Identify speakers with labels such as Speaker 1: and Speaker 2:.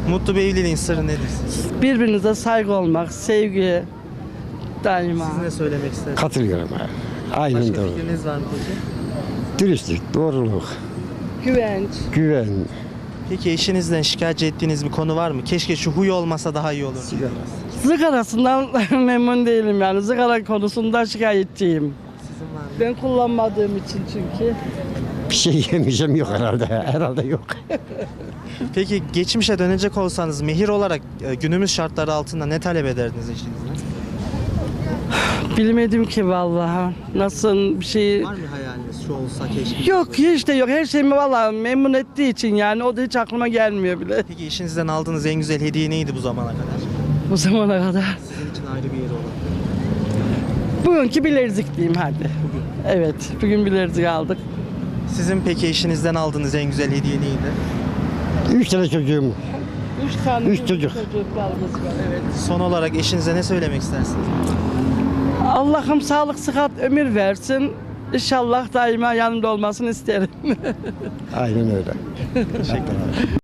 Speaker 1: Mutlu bir evliliğin sırrı nedir sizce?
Speaker 2: Birbirinize saygı olmak, sevgi daima.
Speaker 1: Siz ne söylemek istersiniz?
Speaker 3: Katılıyorum. Aynen
Speaker 1: Başka
Speaker 3: doğru.
Speaker 1: fikriniz var mı peki?
Speaker 3: Dürüstlük, doğruluk,
Speaker 2: Güvenç.
Speaker 3: güven,
Speaker 1: Peki eşinizden şikayetçi ettiğiniz bir konu var mı? Keşke şu huy olmasa daha iyi olur.
Speaker 3: sigara.
Speaker 2: Sigarasından memnun değilim yani. Sigara konusunda şikayetçiyim.
Speaker 1: Sizin var mı?
Speaker 2: Ben kullanmadığım için çünkü.
Speaker 3: Bir şey yemeyeceğim yok herhalde. Herhalde yok.
Speaker 1: Peki geçmişe dönecek olsanız mehir olarak günümüz şartları altında ne talep ederdiniz eşinizden?
Speaker 2: Bilmedim ki vallahi. Nasıl bir şey...
Speaker 1: Var mı hayaliniz? Şu olsa keşke.
Speaker 2: Yok hiç de yok. Her şeyimi vallahi memnun ettiği için yani o da hiç aklıma gelmiyor bile.
Speaker 1: Peki eşinizden aldığınız en güzel hediye neydi bu zamana kadar?
Speaker 2: Bu zamana kadar.
Speaker 1: Sizin için ayrı bir yeri olan.
Speaker 2: Bugünkü bilezik diyeyim hadi.
Speaker 1: Bugün.
Speaker 2: Evet, bugün bilezik aldık.
Speaker 1: Sizin peki eşinizden aldığınız en güzel hediye neydi?
Speaker 3: 3 tane çocuğum.
Speaker 2: 3 tane
Speaker 3: Üç çocuk.
Speaker 2: çocuklarımız var. Evet.
Speaker 1: Son olarak eşinize ne söylemek istersiniz?
Speaker 2: Allah'ım sağlık, sıhhat, ömür versin. İnşallah daima yanımda olmasını isterim.
Speaker 3: Aynen öyle.
Speaker 1: Teşekkür ederim.